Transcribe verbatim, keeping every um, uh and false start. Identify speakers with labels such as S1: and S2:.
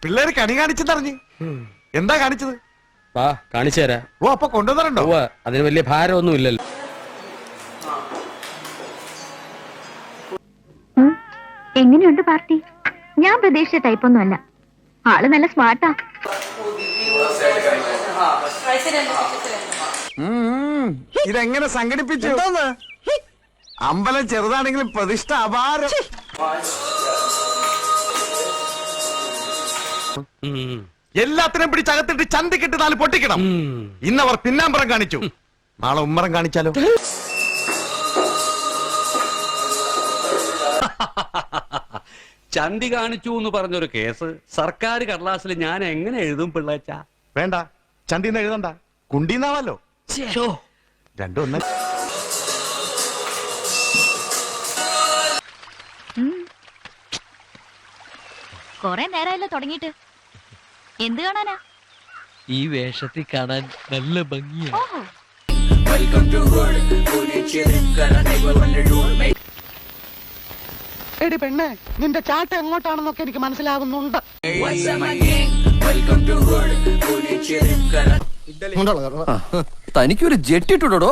S1: പിള്ളേര് കണി കാണിച്ചെന്നറിഞ്ഞ്. എന്താ കാണിച്ചത്?
S2: വാ കാണിച്ചു തരാ.
S1: ഓ അപ്പൊ കൊണ്ടുവന്നിട്ടുണ്ടോ?
S2: അതിന് വലിയ ഭാരമൊന്നും ഇല്ലല്ലോ.
S3: എങ്ങനെയുണ്ട് പാർട്ടി? ഞാൻ പ്രതീക്ഷിച്ച ടൈപ്പൊന്നും അല്ല. ആള് നല്ല സ്മാർട്ടാ.
S1: ഇതെങ്ങനെ സംഘടിപ്പിച്ചു? അമ്പലം ചെറുതാണെങ്കിലും പ്രതിഷ്ഠ അപാരം. എല്ലാത്തിനും പിടിച്ചകത്തിട്ട് ചന്തിക്കിട്ട് നാല് പൊട്ടിക്കണം. ഇന്നവർ പിന്നാമ്പറം കാണിച്ചു, നാളെ ഉമ്മറം കാണിച്ചാലോ?
S4: ചന്തി കാണിച്ചു എന്ന് പറഞ്ഞൊരു കേസ് സർക്കാർ കടലാസിൽ ഞാൻ എങ്ങനെ എഴുതും പിള്ളേച്ച?
S1: വേണ്ട, ചന്തിന്ന് എഴുതണ്ട, കുണ്ടീന്നാവല്ലോ. രണ്ടും ഒന്ന്.
S3: കൊറേ നേരമല്ലോ തുടങ്ങിയിട്ട്. എന്ത് കാണാനാ?
S5: ഈ വേഷത്തിൽ കാണാൻ നല്ല ഭംഗിയാ.
S6: എടി പെണ്ണെ, നിന്റെ ചാട്ട എങ്ങോട്ടാണെന്നൊക്കെ എനിക്ക് മനസ്സിലാകുന്നുണ്ട്.
S5: തനിക്കൊരു ജെട്ടിട്ടുടോ.